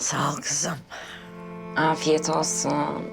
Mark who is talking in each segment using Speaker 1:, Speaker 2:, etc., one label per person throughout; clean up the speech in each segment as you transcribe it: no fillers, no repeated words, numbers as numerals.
Speaker 1: Sağ ol kızım.
Speaker 2: Afiyet olsun.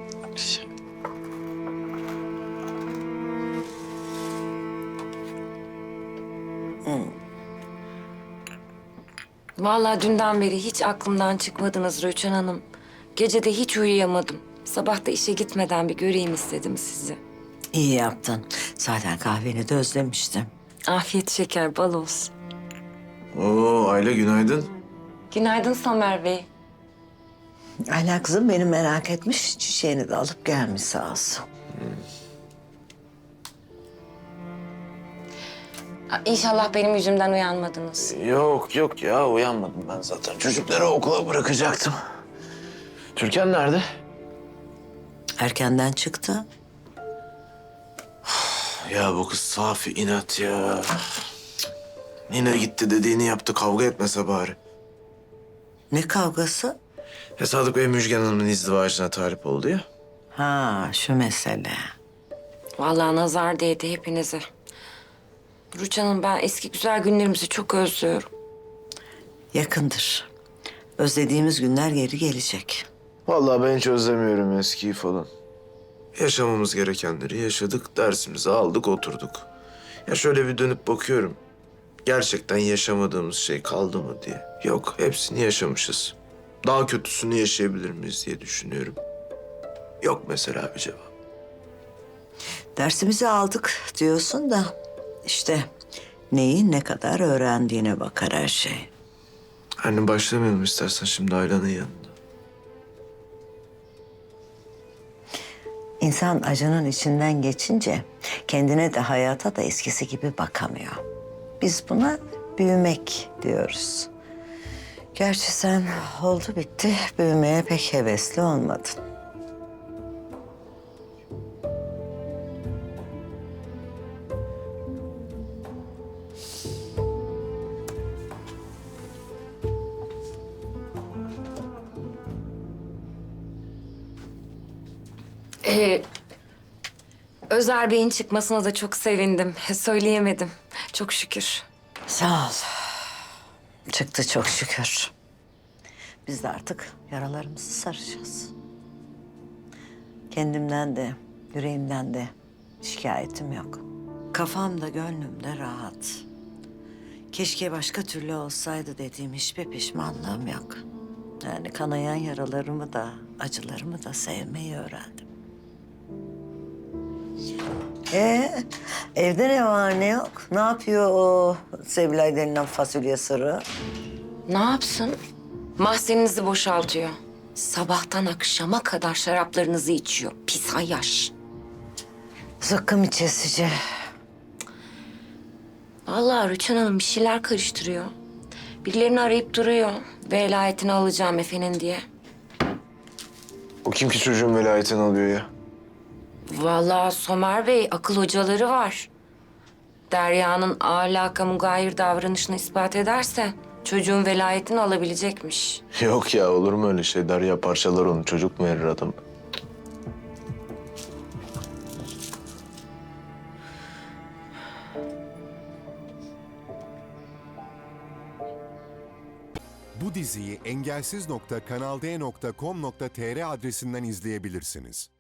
Speaker 2: Vallahi dünden beri hiç aklımdan çıkmadınız Rüçhan Hanım. Gece de hiç uyuyamadım. Sabah da işe gitmeden bir göreyim istedim sizi.
Speaker 1: İyi yaptın. Zaten kahveni de özlemiştim.
Speaker 2: Afiyet şeker bal olsun.
Speaker 3: Oo Ayla günaydın.
Speaker 2: Günaydın Somer Bey.
Speaker 1: Ayla kızım beni merak etmiş. Çiçeğini de alıp gelmiş sağ olsun.
Speaker 2: İnşallah benim yüzümden uyanmadınız.
Speaker 3: Yok ya uyanmadım ben zaten. Çocukları okula bırakacaktım. Türkan nerede?
Speaker 1: Erkenden çıktı.
Speaker 3: Ya bu kız safi inat ya. Yine gitti dediğini yaptı, kavga etmese bari.
Speaker 1: Ne kavgası?
Speaker 3: Ya Sadık Bey Müjgan Hanım'ın izdivacına talip oldu ya.
Speaker 1: Ha şu mesele.
Speaker 2: Vallahi nazar değdi hepinize. Rüçhan Hanım ben eski güzel günlerimizi çok özlüyorum.
Speaker 1: Yakındır. Özlediğimiz günler geri gelecek.
Speaker 3: Vallahi ben hiç özlemiyorum eskiyi falan. Yaşamamız gerekenleri yaşadık, dersimizi aldık, oturduk. Ya şöyle bir dönüp bakıyorum. Gerçekten yaşamadığımız şey kaldı mı diye. Yok, hepsini yaşamışız. Daha kötüsünü yaşayabilir miyiz diye düşünüyorum. Yok mesela bir cevap.
Speaker 1: Dersimizi aldık diyorsun da işte neyi ne kadar öğrendiğine bakar her şey.
Speaker 3: Anne başlamayalım istersen şimdi Ayla'nın yanında.
Speaker 1: İnsan acının içinden geçince kendine de hayata da eskisi gibi bakamıyor. Biz buna büyümek diyoruz. Gerçi sen oldu bitti büyümeye pek hevesli olmadın.
Speaker 2: Özer Bey'in çıkmasına da çok sevindim. Söyleyemedim. Çok şükür.
Speaker 1: Sağ ol. Çıktı çok şükür. Biz de artık yaralarımızı saracağız. Kendimden de, yüreğimden de şikayetim yok. Kafam da gönlüm de rahat. Keşke başka türlü olsaydı dediğim hiçbir pişmanlığım yok. Yani kanayan yaralarımı da, acılarımı da sevmeyi öğrendim. Evde ne var ne yok? Ne yapıyor o Sevilay denilen fasulye sırrı?
Speaker 2: Ne yapsın? Mahzeninizi boşaltıyor. Sabahtan akşama kadar şaraplarınızı içiyor. Pis ayyaş.
Speaker 1: Zıkkım içesici.
Speaker 2: Vallahi Rüçhan Hanım bir şeyler karıştırıyor. Birilerini arayıp duruyor. Velayetini alacağım efendim diye.
Speaker 3: O kim ki çocuğun velayetini alıyor ya?
Speaker 2: Vallahi Somer Bey akıl hocaları var. Derya'nın ahlaka mugayir davranışını ispat ederse çocuğun velayetini alabilecekmiş.
Speaker 3: Yok ya olur mu öyle şey? Derya parçalar onu, çocuk mu verir adam?
Speaker 4: Bu diziyi engelsiz.kanalde.com.tr adresinden izleyebilirsiniz.